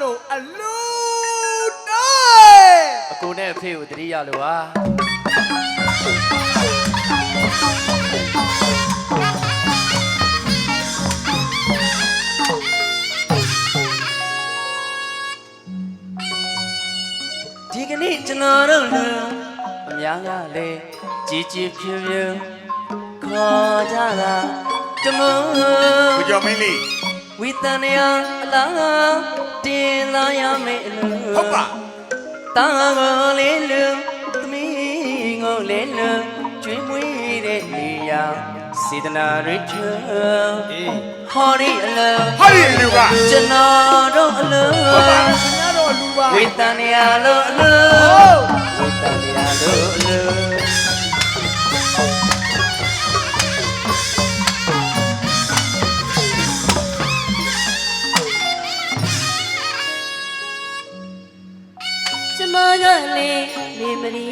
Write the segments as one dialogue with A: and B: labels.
A: တို့အလူတွေ
B: အကိုနဲ့အဖေကိုတတိယလို့ပါဒီကနေ့ကျွန်တော်တို့လူအများကလည်းကြည်ကြည်ဖြူဖြူခေါ်ကြတာတမန်
A: ကိုကျော်မင်းလေး
B: ဝိတန်ရအလားတင်လာရမယ်လူ
A: ဟုတ်ပါ
B: တာကိုလေးလူသမီးကိုလေးလူကျွေးမွေးတဲ့နေရာစေတနာရစ်ချေဟောဒီအလူ
A: ဟောဒီအလူက
B: ကျွန်တော်တို့အလူ
A: ဟုတ်ပါခင်ဗျားတို့အလူပါ
B: ဝိတန်ရလို့အလူဝိတန်ရလို့အလူ
C: ကျမကလေးနေမရီ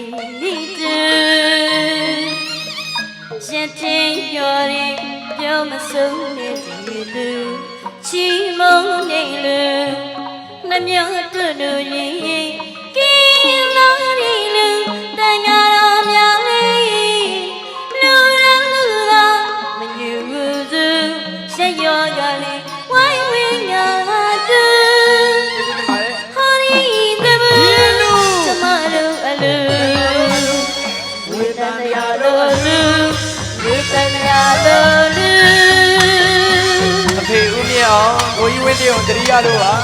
C: နေတဲ့ရတဲ့ရော်ရင်ပြောမဆုံးနေတဲ့လူချီမုန်းနေလူနှမျောတွေ့လို့ရင်ကင်းလာရီလူတန်ကြတော်များလေးလူရန်လူသာမညူစုဆက်ရောကလေးဝိုင်းဝင်းငါတူ
B: အဖေဦးမြင့်အောင်ကိုကြီးဝင်းတေးအောင်တရိယာလို့ပါ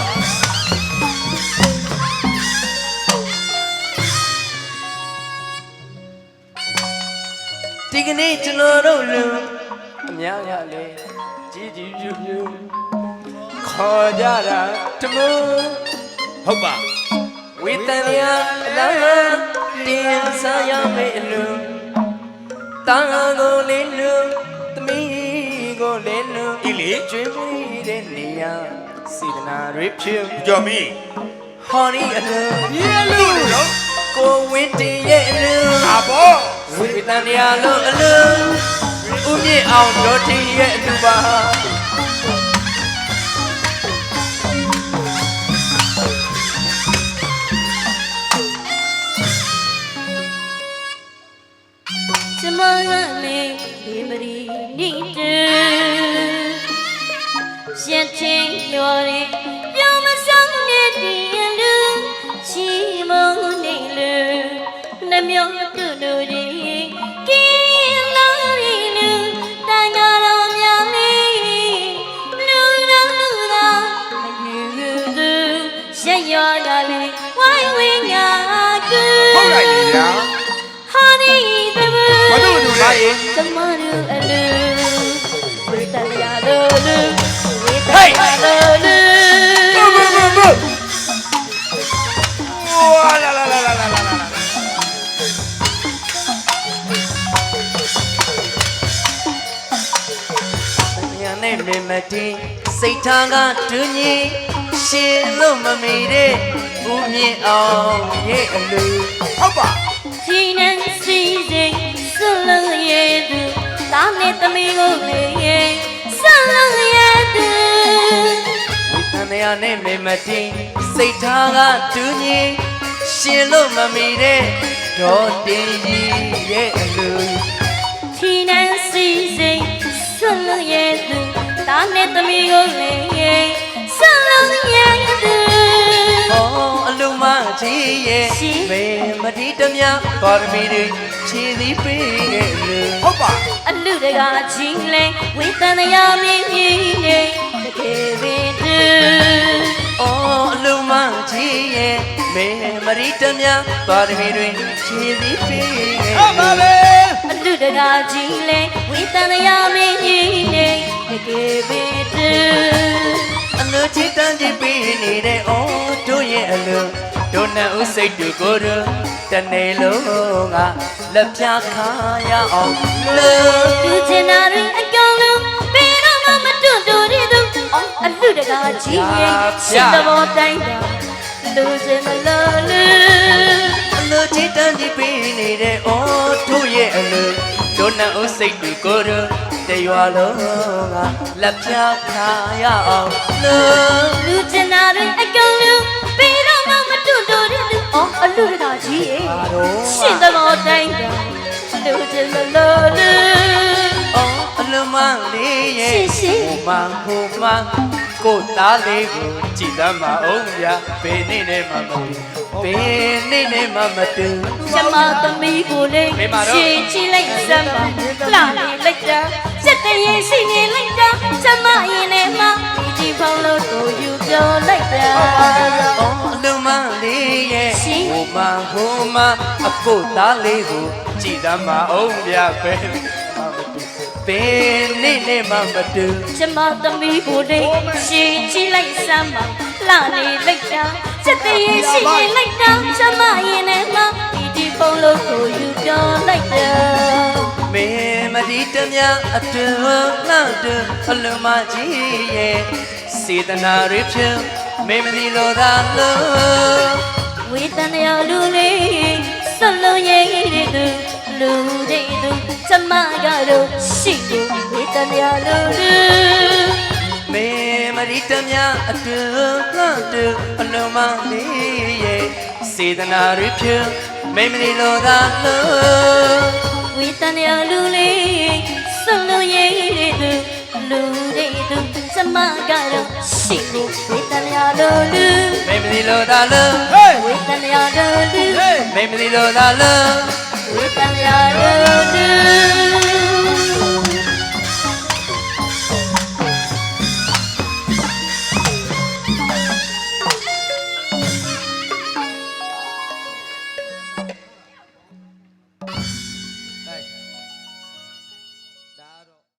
B: ဒီကနေ့ကျွန်တော်တို့လူအများရလေကြီးကြီးပြူပြူခေါ်ကြတာတမန်
A: ဟုတ်ပါ
B: ဝိတန်ရအလားတင်စားရမယ်အလူတာကိုလေးလူသမီးကိုလေးလူ
A: ဤလေ
B: ကျွေးမွေးတဲ့နေရာစေတနာရစ်ဖြူ
A: ကိုကျော်မင်း
B: ဟောဒီအလူ
A: ဒီအလူနော်
B: ကိုဝင်းတေးရဲ့အလူ
A: အာဘော
B: ဝိတန်ရလို့အလူဦးမြင့်အောင်တို့တီးရဲ့အလူပါ
C: ကျမကလေးဒီမရီနေတဲ့ရတဲ့ရော်ရင်ပြောမဆုံးနေတဲ့လူချီမုန်းနေလူနှမျောတွေ့လို့ရင်ကင်းလာရီလူတန်ကြတော်များလေးလူရန်လူသာမညူစုဆက်ရောကလေးဝိုင်းဝင်းငါကူ
A: ဟုတ်လိုက်ပြီဗျာ
C: ဟာဒီ
A: ဘာလို့လူလဲ
C: ကျမတို့အလူဝိတရလို့လူဝိတရလို့လူ
A: ဝါလာလာလာလာလာ
B: ညာနဲ့မမတီစိတ်ထားကတူညီရှင်လို့မမေတဲ့ဦးမြင့်အောင်ရဲ့အလူ
A: ဟုတ်ပါ
C: ဒီနဲ့စီစိတ်ဆွလို့ရဲ့သူတာနဲ့သမီးကိုလေးဆွလို့ရဲ့သူ
B: ဝိတန်ရနဲ့မမတီစိတ်ထားကတူညီရှင်လို့မမေတဲ့ဒေါ်တင်ကြီးရဲ့အလူ
C: ဒီနဲ့စီစိတ်ဆွလို့ရဲ့သူတာနဲ့သမီးကိုလေးဆွလို့ရဲ့သူ
B: အလူမကြီးရဲ့မေမတိတမြပါရမီတွေခြေသီးပေးခဲ့လူ
A: ဟုတ်ပါ
C: အလူတကာကြီးလဲဝိတန်ရမင်းကြီးနေတကယ်ပင်တူ
B: အလူမကြီးရဲ့မေမတိတမြပါရမီတွေခြေသီးပေးခဲ့
A: ဟုတ်ပါလေ
C: အလူတကာကြီးလဲဝိတန်ရမင်းကြီးနေတကယ်ပင်တူ
B: အလူချစ်တန်းကြီးပေးနေတဲ့တို့ရဲ့အလူတို့နဲ့ဥစိတ်တူကိုရတနေ့လုံးကလက်ပြခါရအောင်
C: လူချင်တာတွေအကောင်လုံးဘယ်တော့မှမတွန့်တူရသူအလူတကာကြီးရဲ့ရှင်သဘောတိုင်းတာလူချင်မလို့လူ
B: အလူချစ်တန်းကြီးပေးနေတဲ့တို့ရဲ့အလူတို့နဲ့ဥစိတ်တူကိုရတရွာလုံးကလက်ပြခါရအောင်
C: လူချင်တာတွေအကောင်လုံးရှင်သမောတိုင်းတာလူချင်လို့လူ
B: အော်အလုံးမလေးရဲ့ဟိုမှာကိုသားလေးကိုကြည်သမ်းမအောင်ဗျာဘယ်နေ့နဲ့မှမတူဘယ်နေ့နဲ့မှမတူ
C: ကျမသမီးကိုလေးရှင်ချီလိုက်စမ်းပါလှနေလိုက်တာစက်တရေရှိနေလိုက်တာကျမရင်ထဲမှာဒီဖုန်းလို့ကိုယူပြောလိုက်တာ
B: အော်အလုံးမလေးရဲ့ဟိုမှာအကိုသားလေးကိုကြည်သမ်းမအောင်ဗျာဘယ်နေ့နဲ့မှမတူ
C: ကျမသမီးကိုလေးရှင်ချီလိုက်စမ်းပါလှနေလိုက်တာစက်တရေရှိနေလိုက်တာကျမရင်ထဲမှာဒီဖုန်းလို့ကိုယူပြောလိုက်တာ
B: မင်းမဒီတမြအတွန်းနောက်တွန်းအလုံးမကြီးရဲ့စေတနာရဖြင့်မင်းမဒီလိုသာလို့
C: ဝေတနာလူလေးစလုံးရဲ့တူလူတွေတူကျမကတော့ရှိတယ်ဝေတနာလူလူ
B: မင်းမဒီတမြအတွန်းနောက်တွန်းအလုံးမကြီးရဲ့စေတနာရဖြင့်မင်းမဒီလိုသာလို့
C: ဝေတနာလူလေးစလုံးရဲ့တူလူတွေတူကျမကတော့ရှိတယ်ဝေတနာလူလူ
B: မင်းမဒီလိုသာလို့
C: ဝေတနာလူလူ
B: မင်းမဒီလိုသာလို့
C: ဝေတနာလူလူ